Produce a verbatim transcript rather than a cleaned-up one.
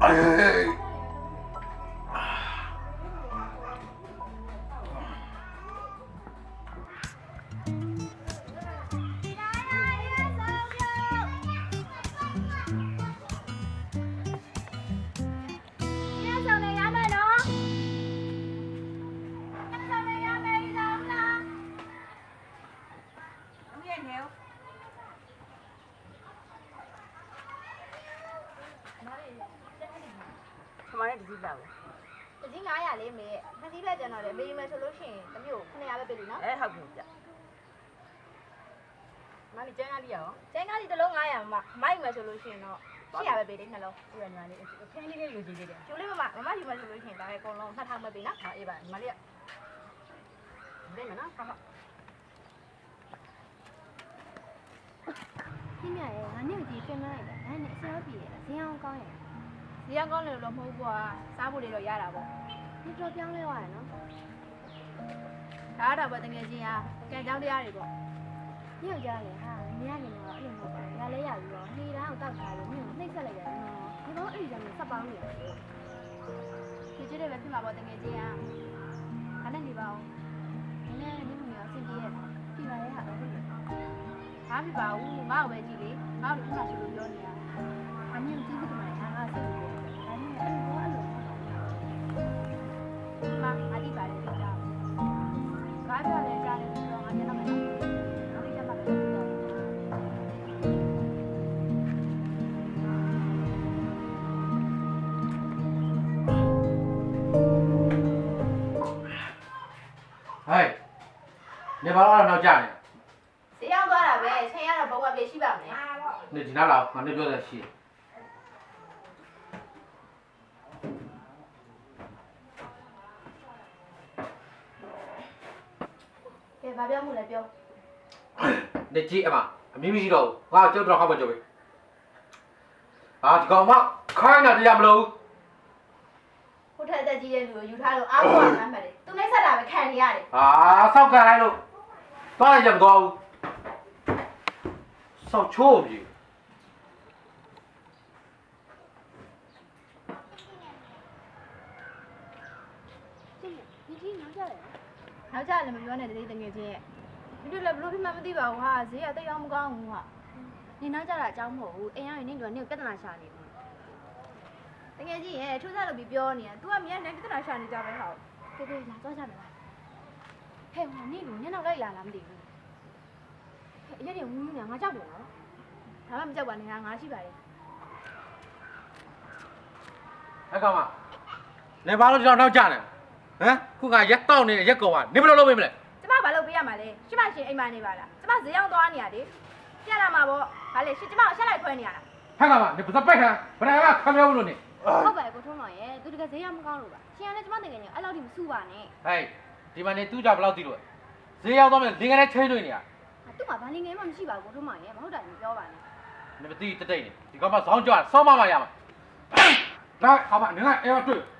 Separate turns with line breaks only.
ทำไมได้ดีแล้ว
ဒီnine hundredလေးမေနှစ်စီးပဲကျန်တော့လေမေးမယ်ဆိုလို့ရှိရင်တမျိုးnine hundredပဲပေးပြီနော်
အဲဟုတ်ပြီဗျမလေးကျန်းကားလေးရော
ကျန်းကားဒီတစ်လုံးnine hundredမှာမိုက်မယ်ဆိုလို့ရှိရင်တော့eight hundredပဲပေးတယ်နှလုံး
ဒီကညီမလေးခင်းလေးလေးယူကြည့်သေးတယ်
ကျိုးလေးမမမမယူမယ်ဆိုလို့ရှိရင်ဒါပဲအကုန်လုံးtwo thousandပဲပေးနော်
ဟာအေးပါညီမလေးကဘယ်မနော်ဟာဟာ
พี่เนี่ยငါနဲ့ကြီးပြင်မလိုက်တယ်ဒါနဲ့အစရောပြေတယ်ဈေးအောင်ကောင်းရဲ့
ဒီကကောင်းတယ်လို့မဟုတ်ဘူးကွာစားဖို့တွေတော့ရတာပေါ့
ဒီတော့ပြောင်းလဲသွားရနော်
ဒါတော့ပဲတကယ်ချင်းအားကံကြောင်းတရားတွေပေါ့
ညောက်ကြလေဟာမင်းကနေတော့အဲ့လိုမဟုတ်ဘူးငါလဲရပြီးတော့နေတိုင်းကိုတောက်ထားလို့မင်းကိုနှိမ့်ဆက်လိုက်ရတယ်နော်ဒီကောင်အဲ့ဒီကြောင့်ဆက်ပေါင်းနေတယ်
ဒီကျတဲ့ပဲဖြစ်မှာပေါ့တကယ်ချင်းအားခနဲ့နေပါဦး
နည်းနည်းနည်းမရောအဆင်ပြေရဲ့ပြပါရဲ့ဟာတော့ဟုတ်တယ်
ဘာဖြစ်ပါဘူးငါ့ကိုပဲကြည့်လေငါ့ကိုဒီမှာဆိုလို့ပြောနေတာ
အမြင့်ကြီးပြီးတော့ငါငါဆက်လို့ဒါနဲ့အဲ့လိုအဲ့လို
ငါအတိပါတယ်ဒီကြောင်ငါပြောတယ်ကြားတယ်ဆိုတော့ငါညတော့မယ်နော်ဒီကျမှပဲပြောတော့
ဟဲ့နေပါတော့နောက်ကြနေ
ဈေးရောက်သွားတာပဲချိန်ရတော့ဘုံမပြေရှိပါမယ်
နေဒီနားလာငါနေပြောတဲ့ရှိ
ကဲဘာပြောမှုလဲပြော
နေကြည့်အမအမီးမရှိတော့ဘူးငါကြောက်တော့ဟောက်မကြောက်ဘူးအာဒီကောင်မခိုင်းတာတရားမလို့
ခုထက်တက်ကြီးတဲ့လူကိုယူထားလို့အားကိုးရမှန်းမှတ်တယ်သူနှိမ့်ဆက်တာပဲခံနေရတယ်
အာဆောက်ကန်လိုက်လို့သွားရကြမသွားဘူးဆောက်ချိုးပြီ
ဒီကြီးနောက်ကြလေ
နောက်ကြလည်းမပြောနဲ့တတိတငယ်ချင်းရဲ့ဒီလိုလည်းဘလို့ဖြစ်မှမသိပါဘူးဟာဈေးကတိတ်အောင်မကောင်းဘူးဟာ
နေနောက်ကြတာအကြောင်းမဟုတ်ဘူးအိမ်ရောက်ရင်နေတော့နေပြဿနာရှာနေပြီ
တငယ်ချင်းရဲ့ထူးဆန်းလို့ပြီးပြောနေတာ तू ကမြန်နေပြဿနာရှာနေကြပဲဟာ
ပြေပြေလာသွားကြမယ်လားဟဲ့ဟိုနေလူညနောက်လိုက်လာလားမသိဘူးဟဲ့အရက်တွေဝူးဝူးနေငါကြောက်တယ်နော်
ဒါမှမကြောက်ပါနဲ့ဟာငါရှိပါတယ်
အဲ့ကောင်မနေပါလို့ကျွန်တော်နောက်ကြနေဟမ်ခုကရက်တောက်နေတဲ့ရက်ကောင်ကနေဘယ်လိုလုပ်ပေးမလဲ
ကျမဘာလုပ်ပေးရမှာလဲရှိမရှင်အိမ်မှာနေပါလားကျမဈေးရောက်သွားနေရတယ်ပြလာမှာပေါ့ဟာလေရှင်ကျမကိုဆက်လိုက်ခွဲနေရတာ
ဟဲ့ကောင်မနေပစပိုက်ခံဘယ်ကခံပြောလို့နေ
ဟုတ်ပါရဲ့ကိုထုံးတော်ရဲ့သူတကယ်ဈေးရမကောင်းလို့ပါရှင်ကလည်းကျမတကယ်ညအဲ့လောက်ထိမစူပါနဲ့
ဟဲ့ဒီမှာနေသူ့ကြဘယ်လောက်သိလို့ဈေးရောက်တော့မယ်လင်ကလေးချင်းတွေ့နေရ
သူ့မှာဘာလင်ငယ်မှမရှိပါဘူးကိုထုံးတော်ရဲ့မဟုတ်တာမပြောပါနဲ့
နေမသိတတိတ်နေဒီကောင်မဇောင်းကြွဆောင်းမမရမှာလာဟာမနေကအဲ့တွေ့